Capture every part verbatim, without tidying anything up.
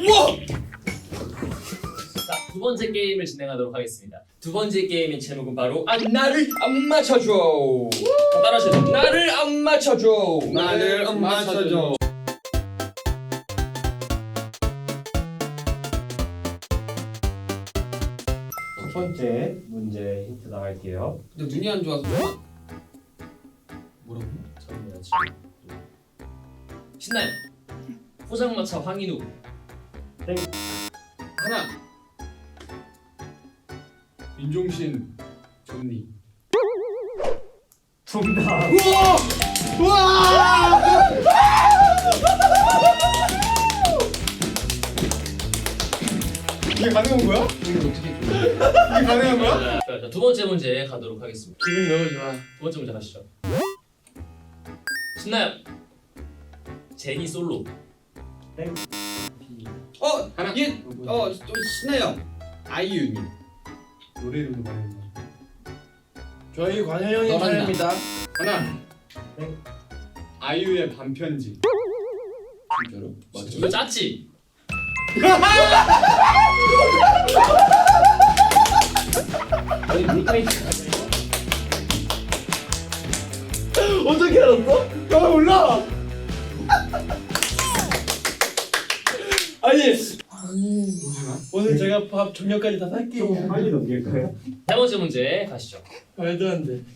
우와! 자, 두 번째 게임을 진행하도록 하겠습니다. 두 번째 게임의 제목은 바로 아 나를 안 맞춰줘. 따라하세요. 나를 안 맞춰줘. 나를 안 맞춰줘. 첫 번째 문제 힌트 나갈게요. 근데 눈이 안 좋아서 좀만. 뭐라고? 저는 지금 신나요. 포장마차 황인우. 땡. 하나. 윤종신 존니. 정답. 우와! 우와! 이게 가능한 거야? 이게 어떻게 이게 가능한 거야? 자, 자, 두 번째 문제 가도록 하겠습니다. 기분이 너무 좋아. 두 번째 문제 가시죠. 신나요. 제니 솔로. 땡. 어, 하나. 얘, 어, 좀 신나요. 아이유님. 노래 이름도 말해야 돼. 저희 관현형이 너란다. 차례입니다. 하나. 땡. 아이유의 반편지. 진짜로? 이거 짰지? 아니 니까지 어떻게 알았어? 나 몰라. 아니 오늘 제가 밥 저녁까지 다 살게요. 빨리 넘길까요? 세 번째 문제 가시죠. 말도 안 돼.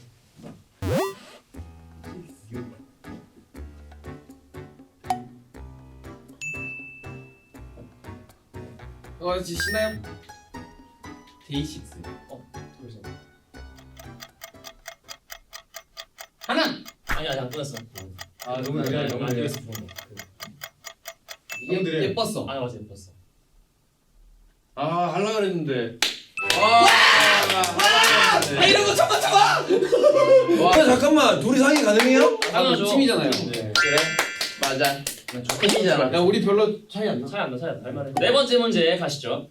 어, 지 신나요? 데이식스. 어, 그러세요. 하나. 아니 아니 안 끝났어. 아 너무 아니, 느려. 아니, 너무 안 느려. 끝났어. 부분. 그, 예, 너무 느려요. 예뻤어. 아 맞아 예뻤어. 아 하려고 그랬는데. 와! 아, 이런 거 참아 참아. 와 잠깐만 둘이 상의 가능해요? 당연하죠. 팀이잖아요. 네. 그래 맞아. 좋겠잖아. 야, 우리 별로 차이 안 나. 차이 안 나, 차이 안 나. 할만해. 네 번째 문제 가시죠.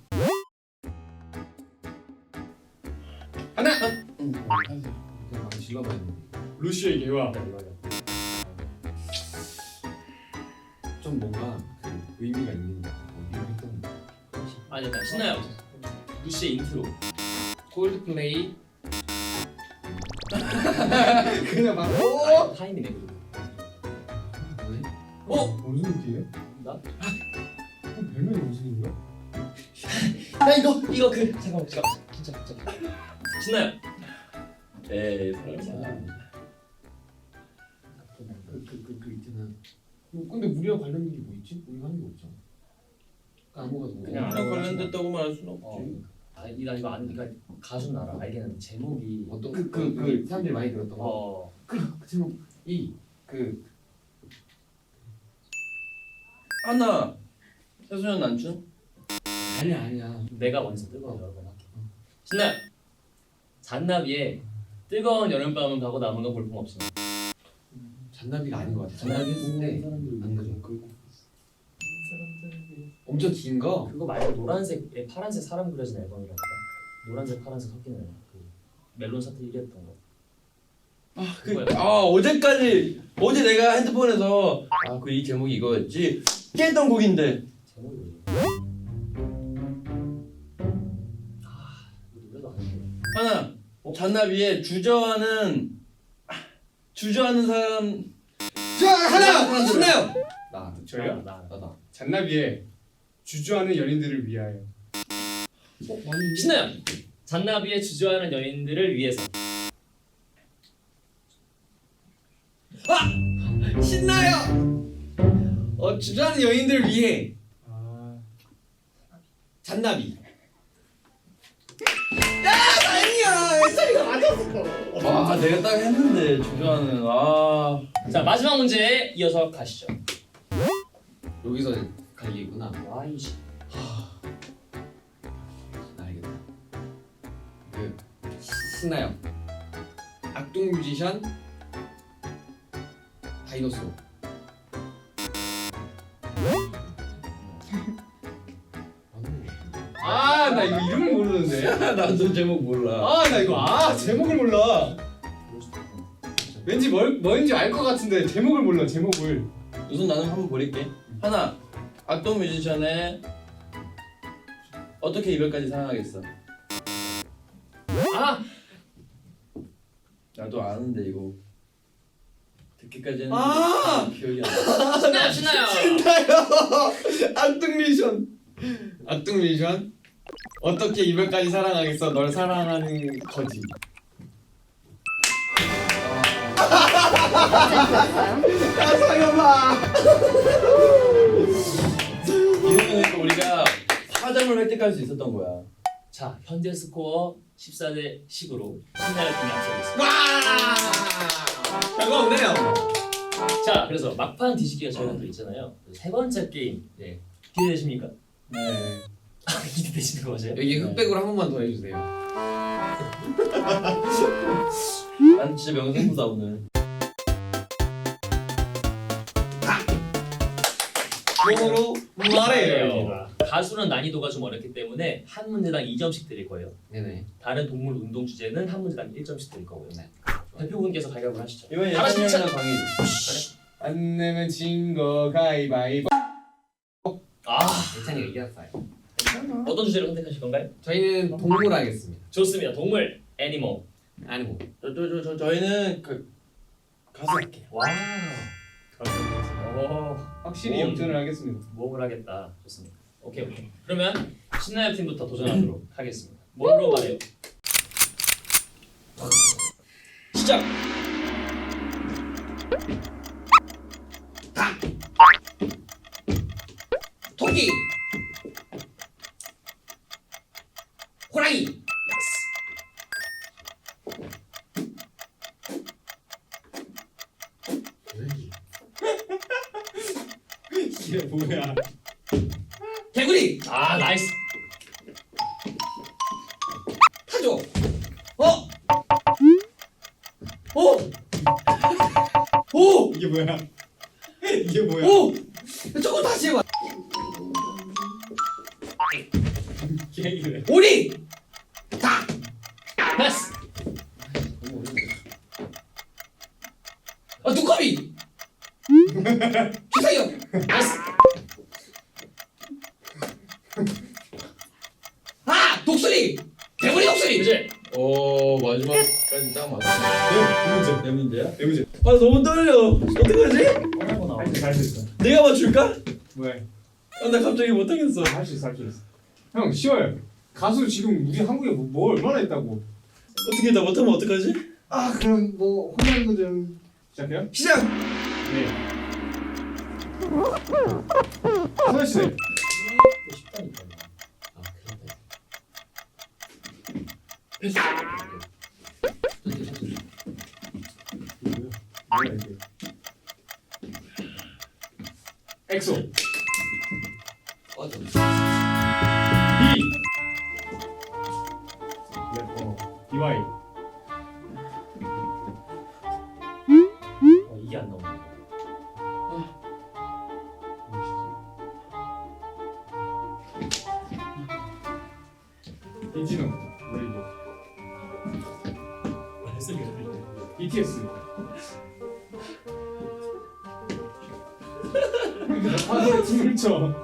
하나. 응. 많이 질러봐야 돼. 루시의 개화. 좀 뭔가 그 의미가 있는 어디로 했던. 아니 일단 신나요. 루시의 인트로. 콜드플레이. 그냥 막. 아, 타임이네 그리고. 뭐지? 어? 무슨 팀이에요? 나? 별명이 무슨 거야? 나 이거 이거 그 잠깐만 잠깐 진짜 진짜 신나요. 에이 설마. 그그그 그 있잖아. 뭐, 근데 우리랑 관련 일이 뭐 있지? 우리가 하는 게 없잖아. 까먹어서 뭐. 그냥 우리랑 관련됐다고 말할 순 없지. 어. 아, 이- 나 이거 안 그러니까 가수는 알아. 알겠는데 제목이 어떤 그 그 그 사람들이 많이 들었던 거. 어. 그 제목 이그 하나 최소년 난춘? 아니야 아니야. 내가 먼저 뜨거운 여름밤 할게. 신나요. 잔나비의 뜨거운 여름밤은 가고 남은 건 볼품 없어. 잔나비가 아닌 것 같아. 잔나비 했을 때 안 그죠? 엄청 긴 거. 그거 말고 노란색에 파란색 사람 그려진 앨범이라니까. 노란색 파란색 섞이는 앨범. 그 멜론 차트 일 위 했던 거. 아, 그, 아 어제까지 어제 내가 핸드폰에서 아 그 이 제목이 이거였지 깼던 곡인데 제목이 뭐지? 아 이거 노래도 안 해. 하나 잔나비의 주저하는 아, 주저하는 사람 자 하나 신나요. 나 저요? 나, 나. 나다. 잔나비의 주저하는 연인들을 위하여. 어 많이 신나요. 잔나비의 주저하는 연인들을 위해서. 신나요. 어 주저하는 여인들 위해 아. 잔나비. 야 아니야 예찬이가 맞았어. 와 내가 딱 했는데 주저하는 아 자 마지막 문제 이어서 가시죠. 여기서 갈리구나. 와이씨. 나 알겠다. 그 시- 신나요. 악동 뮤지션 다이노소. 아, 나 이거 이름을 모르는데. 나도 제목 몰라. 아, 나 이거 아 제목을 몰라. 왠지 뭘 뭔지 알 것 같은데 제목을 몰라. 제목을. 우선 나는 한번 버릴게. 하나 악동 뮤지션의 어떻게 이별까지 사랑하겠어? 아 나도 아는데 이거 듣기까지 했는데 아! 기억이 안 나. 신나요 신나요. 악동 미션. 악동 미션. 어떻게 이별까지 사랑하겠어? 널 사랑하는 거지. 야 상엽아. 이러면 우리가 사 점을 획득할 수 있었던 거야. 자 현재 스코어 십사 대 십으로 신나요 팀이 앞서고 있습니다. 와. 별거 없네요. 자 그래서 막판 뒤집기가 저희가 또 있잖아요. 세 번째 게임 네. 기대되십니까? 네. 기대되시는 거 맞아요? 여기 흑백으로 한 번만 더 해주세요. 난 진짜 명승부다 오늘. 몸으로 말해요. 가수는 난이도가 좀 어렵기 때문에 한 문제당 이 점씩 드릴 거예요. 네네. 다른 동물 운동 주제는 한 문제당 일 점씩 드릴 거고요. 네. 대표분께서 가위바위보 하시죠. 이번에 하나씩 예찬이랑 광희. 안 내면 진거 가위바위보. 아 예찬이가 이겼어요. 어떤 주제를 선택하실 건가요? 저희는 동물 하겠습니다. 좋습니다. 동물 애니멀. 아니 뭐. 저저 저 저희는 그 가수 할게요. 와우. 오, 확실히 몸. 역전을 하겠습니다. 몸을 하겠다. 좋습니다. 오케이 오케이. 그러면 신나요 팀부터 도전하도록 하겠습니다. 몸으로 말해요. 시작. 토끼. 호랑이. 이게 뭐야? 개구리. 아 나이스. 타조. 어? 오. 오. 이게 뭐야? 이게 뭐야? 오. 저거 다시 해봐. 계획이래. 오리. 닭. 패스. 아 두꺼비. 기사형. 패스. 아 독수리. 개구리 독수리. 그지? 오 마지막까지 딱 맞았어. 네 문제. 내 문제야? 네 문제. 아 너무 떨려. 어떡하지? 어려구나. 할수 있어. 내가 맞출까? 뭐야? 아, 나 갑자기 못하겠어. 할 수 있어 할 수 있어. 형 쉬워요. 가수 지금 우리 한국에 뭐, 뭐 얼마나 했다고? 어떻게 나 못하면 어떡하지? 아 그럼 뭐 혼나는 거 좀. 시작해요? 시작. 네. 소연 씨. 쉽다니까요. 아 그런데. 뭐야 이게? 엑소. 어떤. B. 네, 어. 비와이. 어, 이게 안 나오네. 이진호. 왜 이거? 말씀이 비티에스. 하늘에 춤을 춰.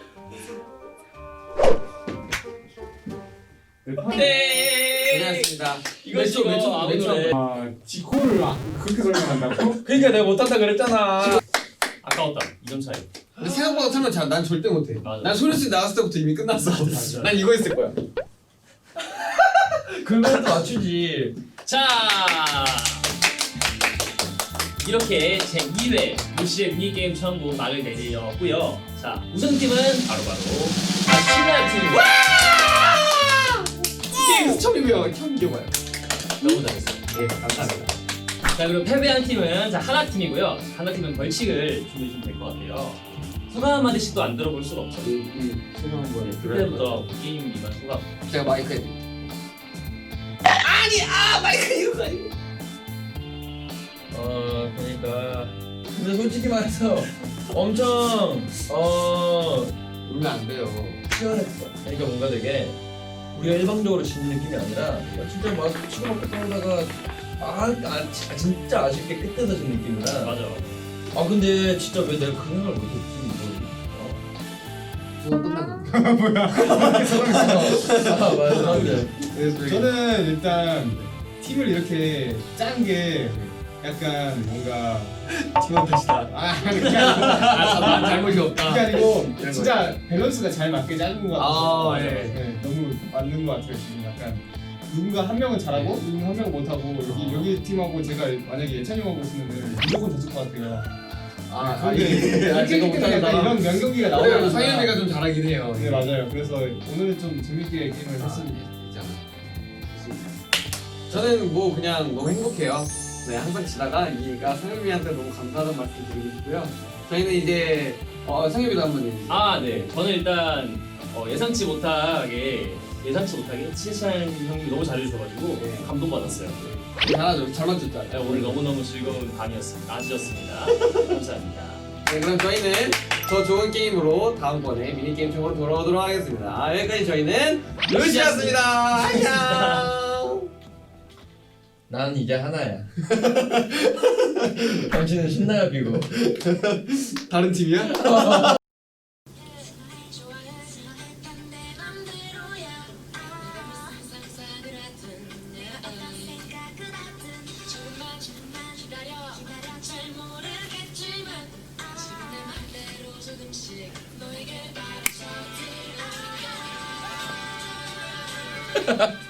네. 고생하셨습니다. 이거 몇 초, 이거 몇 초, 아무 몇 초. 노래. 아, 지코를 아, 그렇게 설명한다고? 그러니까 내가 못한다 그랬잖아. 아까웠다. 이 점 차이. 근데 생각보다 설명 잘. 난 절대 못해. 맞아. 난 소리씨 나왔을 때부터 이미 끝났어. 맞아. 난 이거 했을 거야. 그거라도 맞추지. 자 이렇게 제이 회 무시의 미니게임 천국 막을 내리었고요. 자 우승팀은 바로바로 신나요 팀입니다. 게임 처음이고요. 처음 기억나요. 너무 잘했어요. 네 감사합니다. 자 그리고 패배한 팀은 자 하나 팀이고요. 하나 팀은 벌칙을 준비해주면 될 것 같아요. 소감 한마디씩도 안 들어볼 수가 없죠. 소감 한번. 그때부터 게임 이만 소감. 제가 마이크에. 아니 아 마이크 이거 아니고. 어 그러니까 근데 솔직히 말해서 엄청 어 울면 안 돼요. 치열했어. 그러니까 뭔가 되게 우리가 일방적으로 지는 느낌이 아니라 진짜 막 치고 막 떠오다가 아, 아 진- 진짜 아쉽게 끝에서 진 느낌이라. 맞아. 아 근데 진짜 왜 내가 그 생각을 못했지 이거. 어. 두번 끝난 건데. 아 맞아 맞아. 네, 저는 일단 팀을 이렇게 짠 게 약간 뭔가 팀원 탓이다. 아 그게 아니고 아, 난 잘못이 그게 없다. 아니고 진짜 밸런스가 잘 맞게 짜는 것 같아서 아, 예. 네, 너무 맞는 것 같아요 지금 약간 누군가 한 명은 잘하고 누군가 한 명은 못하고 여기 여기 팀하고 제가 만약에 예찬님하고 있으면 무조건 졌을 것 같아요. 아, 근데 예. 아, 제가 이렇게 못하는 약간 사람. 이런 명경기가 그래도 나오면 상현이가 좀 잘하긴 해요. 네 맞아요. 그래서 오늘은 좀 재밌게 게임을 했습니다. 있잖아. 저는 뭐 그냥 너무 행복해요. 네, 항상 지다가 이기니까 상현이한테 너무 감사하다는 말씀 드리고 싶고요. 저희는 이제 어, 상현이도 한번 해주세요. 아, 네. 저는 일단 어, 예상치 못하게 예상치 못하게 치찬 형님이 너무 잘해주셔가지고 네. 감동받았어요. 잘하죠. 잘 맞췄죠. 네, 오늘 너무너무 즐거운 밤이었습니다. 아주셨습니다. 감사합니다. 네, 그럼 저희는 더 좋은 게임으로 다음번에 미니게임 쪽으로 돌아오도록 하겠습니다. 여기까지 저희는 루시였습니다. 안녕. 난 이제 하나야. 당신은 신나야 비고. 다른 팀이야? 너에게 바라서